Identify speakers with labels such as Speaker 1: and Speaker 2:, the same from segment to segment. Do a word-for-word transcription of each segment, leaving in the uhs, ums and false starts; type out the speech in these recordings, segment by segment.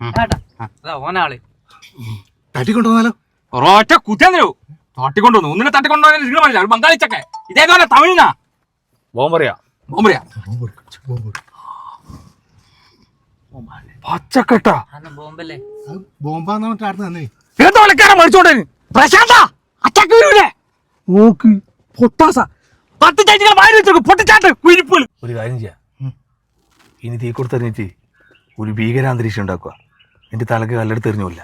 Speaker 1: ഓനാള്
Speaker 2: തട്ടിക്കൊണ്ടുവന്നാലോ?
Speaker 1: ഒറ്റ കുത്തിയോ തട്ടിക്കൊണ്ടുവന്നു. ഒന്നിനെ തട്ടിക്കൊണ്ടുപോകാൻ ബംഗാളി ചക്ക ഇതേപോലെ തമിഴ്നാ
Speaker 3: ബോംബറിയാ
Speaker 1: ബോംബറിയാ
Speaker 3: പച്ചക്കട്ട
Speaker 1: ബോംബല്ലേ
Speaker 2: ബോംബാന്ന് പറഞ്ഞിട്ട് ആർന്ന് തന്നെ
Speaker 1: എന്താ വിളിക്കാനാ മരിച്ചോണ്ടേ പ്രശാന്ത അച്ചക്ക് വരൂലേ നോക്ക് പൊട്ടാസ പത്ത് ചേച്ചികൾ വാരി വെച്ചു പൊട്ടിച്ചാട്ട് കുരിപ്പുകൾ.
Speaker 3: ഒരു കാര്യം ചെയ്യാം, ഇനി തീ കൊടുത്തെറിഞ്ഞിട്ട് ഒരു ഭീകരാന്തരീക്ഷം ഉണ്ടാക്കുക. എന്റെ തലക്ക് കല്ലെടുത്ത് എറിഞ്ഞില്ല.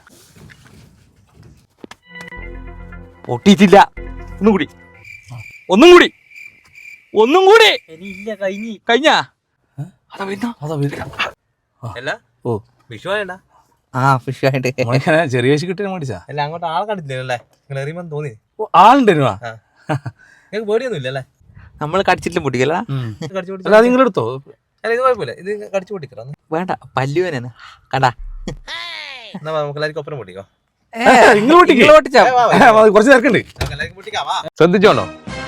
Speaker 1: പൊട്ടിയിട്ടില്ല. ഒന്നും കൂടി ഒന്നും കൂടി ഒന്നും കൂടി ഇല്ല കഴിഞ്ഞി കഴിഞ്ഞ അതാ വരുന്ന
Speaker 3: അതാ
Speaker 1: അല്ല
Speaker 3: ഓ
Speaker 1: വിഷു ആയണ്ട
Speaker 4: ആ ഫിഷ് ആയിട്ട്
Speaker 3: ചെറിയ വേശി കിട്ടിയാൽ മേടിച്ചാ
Speaker 1: അല്ല അങ്ങോട്ട് ആളെ കണ്ടില്ലല്ലേ നിങ്ങൾ എറിയുമ്പോൾ തോന്നി
Speaker 3: ആളുണ്ടായിരുന്നോ?
Speaker 1: നിങ്ങൾക്ക് പേടിയൊന്നും ഇല്ലല്ലേ?
Speaker 4: നമ്മൾ കടിച്ചിട്ടും പൊട്ടിക്കല്ല.
Speaker 1: കടിച്ചു പൊട്ടി
Speaker 3: അല്ല നിങ്ങളെടുത്തോ?
Speaker 1: അല്ല ഇത് കുഴപ്പമില്ല, ഇത് കടിച്ചു പൊട്ടിക്കറ
Speaker 4: വേണ്ട പല്ലുവനാണ് കണ്ടാ.
Speaker 1: എന്നാ നമുക്ക് എല്ലാവർക്കും ഒപ്പരം പൊട്ടിക്കോ.
Speaker 3: കുറച്ച് നേരക്കുണ്ട്, ശ്രദ്ധിച്ചോണോ?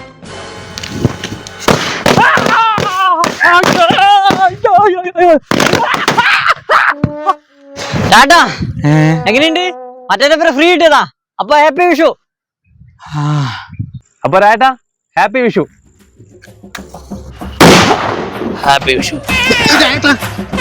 Speaker 5: ടാറ്റാ എങ്ങനെയുണ്ട്? മറ്റേ ഫ്രീ കിട്ടിയതാ. അപ്പൊ ഹാപ്പി വിഷു.
Speaker 3: അപ്പൊ രാട്ടാ ഹാപ്പി വിഷു.
Speaker 4: ഹാപ്പി വിഷു.